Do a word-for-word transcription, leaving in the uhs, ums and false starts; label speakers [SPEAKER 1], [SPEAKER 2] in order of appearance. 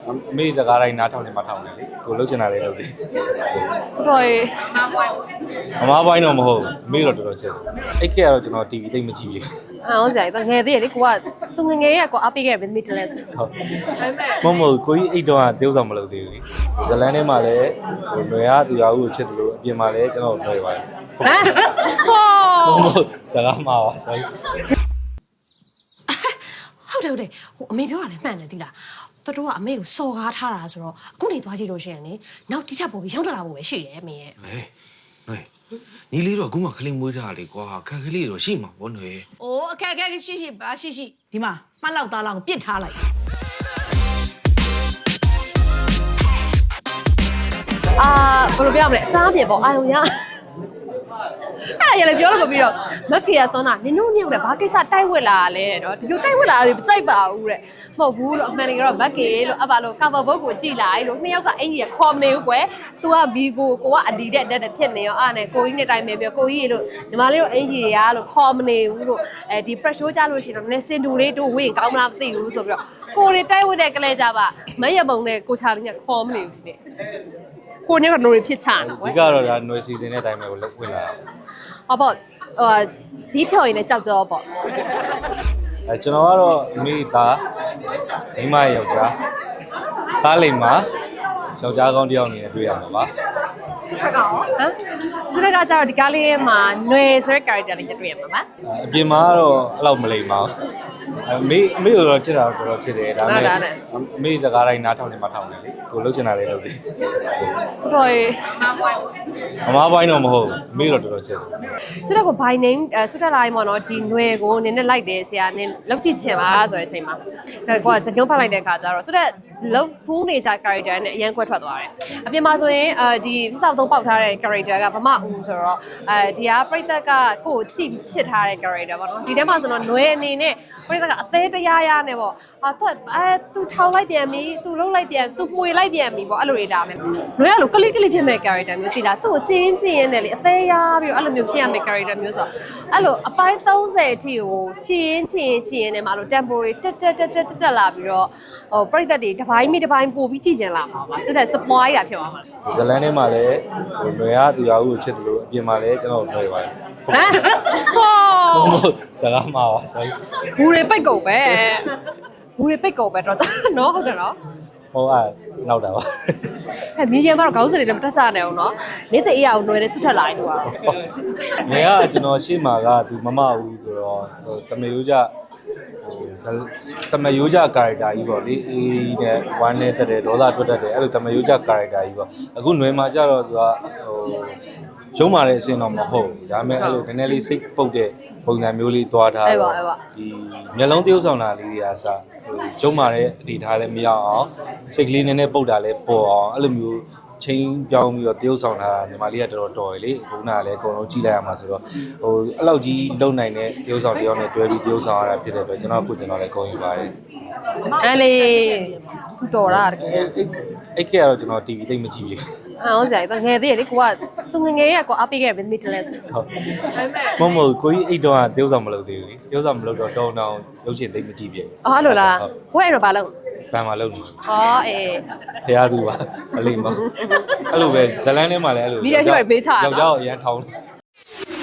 [SPEAKER 1] မေစကားတိုင်းနားထောင်နေမှထောင်တယ်လေကိုလှုပ်ချင်တာလေးလှုပ်တယ်
[SPEAKER 2] တော်ရေ
[SPEAKER 1] အမားပိုင်းတော့မဟုတ်မေတော့တော်တော်ချစ်တယ်အဲ့ခေတ်ကတော့ကျွန်တော် တီဗီ သိမ့်မကြည့်ဘူး
[SPEAKER 2] အော်ဆရာကြီးတော့ငယ်သေးတယ်လေကိုကသူငယ်ငယ်ရဲ့ကိုအားပေးခဲ့တယ်မိတလဲဆို
[SPEAKER 1] ဟုတ်မမကိုကြီးအိတ်တော့တေးဥဆောင်မလုပ်သေးဘူးလေဇလန်ထဲမှာလည်းဟိုလွယ်ရသူရဦးကိုချစ်တယ်လို့အပြင်မှာလည်းကျွန်တော်လွယ်ပါတယ်
[SPEAKER 2] ဟမ်ဟော
[SPEAKER 1] စကားမှာပါ sorry
[SPEAKER 2] ဟုတ်တယ်ဟုတ်တယ်ဟိုအမေပြောတာလည်းမှန်တယ်သိလားတော်တော်ကအမေကိုစော်ကားထားတာဆိုတော့အခုနေသွားကြည့်လို့ရှိရင်လေနောက်တိကျပေါ်ပြီးရောက်ထွက်လာဖို့ပဲရှိတယ်အမေရဲ့
[SPEAKER 3] ဟဲ့ဟဲ့ညီလေးတော့အခုမှခလေးမွေးထားလေကွာခက်ကလေးတော့ရှိမှာဗောနေ
[SPEAKER 4] ။အိုးအခက်အခက်ရှိရှိပါရှိရှိဒီမှာမှတ်လောက်သားလောက်ကိုပြစ်ထားလိုက်
[SPEAKER 2] အာဘယ်လိုပြောမလဲအစားပြေပေါ့အာယုံရအဲ့ရလေပြောလို့ပြီးတော့မက်ကေရဆွမ်းတာနင်တို့ညောက်တယ်ဘာကိစ္စတိုက်ဝက်လာလဲတော့ဒီလိုတိုက်ဝက်လာတယ်မကြိုက်ပါဘူးတဲ့မဟုတ်ဘူးလို့အမှန်တကယ်တော့မက်ကေလို့အပါလို့ကာဗာဘုတ်ကိုကြည်လိုက်လို့နှစ်ယောက်ကအင်ကြီးရခေါ်မနေဘူးကွယ် तू ကဘီကိုကိုကအဒီတဲ့တက်တက်ဖြစ်နေရောအားနဲ့ကိုကြီးနဲ့တိုင်ပဲပြောကိုကြီးလို့ညီမလေးတို့အင်ကြီးရလို့ခေါ်မနေဘူးလို့အဲဒီ pressure ကြလို့ရှိရင်တော့နည်းစင်တူလေးတို့ဝင့်ကောင်းမလားမသိဘူးဆိုပြီးတော့ကိုတွေတိုက်ဝက်တဲ့ကလေးကြပါမရပုံနဲ့ကိုချာလေးကခေါ်မနေဘူးတဲ့ကိုနေကနိုးရဖြစ်ချတာ
[SPEAKER 1] ဒီကတော့ဒါຫນွေစီစဉ်တဲ့အတိုင်းပဲကိုလှုပ်ဝင်လာ
[SPEAKER 2] ဟောပေါ့ဟိုဈေးဖြော်ရင်လည်းကြောက်ကြောပေါ့
[SPEAKER 1] အဲကျွန်တော်ကတော့အမေသားမိမယောက်ျားသားလိမ်မှာယောက်ျားကောင်းတယောက်နေနဲ့တွေ့ရမှာပါ
[SPEAKER 2] ဆုရကရောဟမ်ဆုရကကြတော့ဒီကားလေးထဲမှာຫນွေဆိုတဲ့ character လေးတွေ့ရမှာပါ
[SPEAKER 1] အပြင်မှာကတော့အဲ့လောက်မလိမ်ပါဘူးအမေအမေတော့ချစ်တာတော့တော်ချစ်တယ်ဒါပေမဲ့အမေစကားတိုင်းနားထောင်နေမှထောင်တယ်လေကိုလှုပ်ချင်တာလေးလှုပ်တယ်
[SPEAKER 2] တော်ရေ
[SPEAKER 1] အမားပိုင်းတော့မဟုတ်အမေတော့တော်တော်ချစ်တယ်
[SPEAKER 2] ဆိုတော့ by name ဆုတက်လာရင်ပေါ့နော်ဒီຫນွေကိုနင်းနဲ့လိုက်တယ်ဆရာနင်းလောက်ကြည့်ချင်ပါဆိုတဲ့အချိန်မှာကိုကစကြုံဖတ်လိုက်တဲ့အခါကျတော့ဆိုတော့လောက်ဖူးနေကြ character နဲ့အရန်ကွက်ထွက်သွားတယ်အပြင်မှာဆိုရင်အဲဒီစောက်သုံးပေါက်ထားတဲ့ character ကဗမာဦးဆိုတော့အဲဒီကပြိသက်ကကိုကိုချိချစ်ထားတဲ့ character ပေါ့နော်ဒီထဲမှာဆိုတော့ຫນွေအနေနဲ့ပြိသက်ကအသေးတရားရနဲ့ပေါ့ဟာသူအဲသူထောင်လိုက်ပြန်ပြီသူလှုပ်လိုက်ပြန်သူမှွေလိုက်ပြန်ပြီပေါ့အဲ့လိုတွေဒါမယ်ຫນွေကလိုကလိကလိဖြစ်မဲ့ character မျိုးသိလားသူ့ကိုချင်းချင်းရင်းနဲ့လေအသေးရပြီးတော့အဲ့လိုမျိုးဖြစ်ရမဲ့ character မျိုးဆိုတော့အဲ့လိုအပိုင်းသုံးဆယ်အထိကိုချင်းချင်းချင်းနဲ့မှာလို့ tempo တွေတက်တက်တက်တက်တက်လာပြီးတော့ဟိုပြိသက်တွေတစ်ပိုင်းမိတစ်ပိုင်းပို့ပြီးကြည့်ကြလာမှာပါဆိုတော့ spoil တာဖြစ်သွားမှာ
[SPEAKER 1] ဇလန်ထဲမှာလည်းဟိုလွယ်ရသူရဦးကိုချစ်တယ်လို့အပြင်မှာလည်းကျွန်တော်လွယ်ပါတယ်
[SPEAKER 2] ဟမ်ဟော
[SPEAKER 1] စကားမှာပါ sorry
[SPEAKER 2] ဘူးတွေပိတ်ကုန်ပဲဘူးတွေပိတ်ကုန်ပဲတော့နော်ဟုတ်တယ်နော်
[SPEAKER 1] ဟုတ်အဲ့နောက်တာပါ
[SPEAKER 2] အဲမီဒီယာမှာတော့ခေါင်းစင်တွေလည်းမတက်ကြနိုင်အောင်နော်နေ့စဉ်အေးရအောင်ຫນွေနဲ့ဆွတ်ထက်လာရင်တော့
[SPEAKER 1] ငယ်ကကျွန်တော်ရှေ့မှာကသူမမဦးဆိုတော့ဟိုတမေရိုးကြဟိုတမယိုးကြ character ကြီးပေါ့လေအေးနဲ့ဝမ်းနဲ့တက်တယ်ဒေါသထွက်တတ်တယ်အဲ့လိုတမယိုးကြ character ကြီးပေါ့အခုຫນွေမှာကြတော့သူကဟိုရုံးမာတဲ့အဆင့်တော့မဟုတ်ဘူးဒါပေမဲ့အဲ့လိုနည်းနည်းလေးစိတ်ပုတ်တဲ့ပုံစံမျိုးလေးသွားထားတော့ဒီမျက်လုံးတရုပ်ဆောင်တာလေးတွေကစဟိုရုံးမာတဲ့အနေထားလည်းမရအောင်စိတ်ကလေးနည်းနည်းပုတ်တာလည်းပေါ်အောင်အဲ့လိုမျိုးချင်းပြောင်းပြီးတော့တရုပ်ဆောင်တာညီမလေးကတော်တော်တော်ရယ်လေဘုန်းနာလည်းအကုန်လုံးကြည့်လိုက်ရမှာဆိုတော့ဟိုအဲ့လောက်ကြီးလုံနိုင်တဲ့တရုပ်ဆောင်တယောက်နဲ့တွဲပြီးတရုပ်ဆောင်ရတာဖြစ်တဲ့အတွက်ကျွန်တော်ကိုကျွန်တော်လည်းဂုဏ်ယူပါတယ်
[SPEAKER 2] အဲ့လေသူတော်တာတကယ်
[SPEAKER 1] အဲ့အဲ့ခေတ်ကတော့ကျွန်တော် တီဗီ သိမ့်မကြည့်ဘူး
[SPEAKER 2] အော်ဆရာကြီးတော့ငယ်သေးတယ်လေကိုကသူငယ်ငယ်ရဲ့ကိုအားပေးခဲ့တယ်မိတလဲဆို
[SPEAKER 1] ဟုတ်မမကိုကြီးအိတ်တော့တရုပ်ဆောင်မလုပ်သေးဘူးလေတရုပ်ဆောင်မလုပ်တော့တောင်းတောင်းရုပ်ရှင်သိမ့်မကြည့်ပြည့်
[SPEAKER 2] အော်အဲ့လိုလားကိုအဲ့တော့ဘာလုပ်
[SPEAKER 1] ဘန်မှာလုပ်နေ
[SPEAKER 2] ဟောအေး
[SPEAKER 1] ဖရားသူပါအလိမ့်မအဲ့လိုပဲဇလန်းထဲမှာလည်းအဲ့လို
[SPEAKER 2] မိရရှိရပေးချတာ
[SPEAKER 1] ယောက်ျားကိုအရန်ထောင်း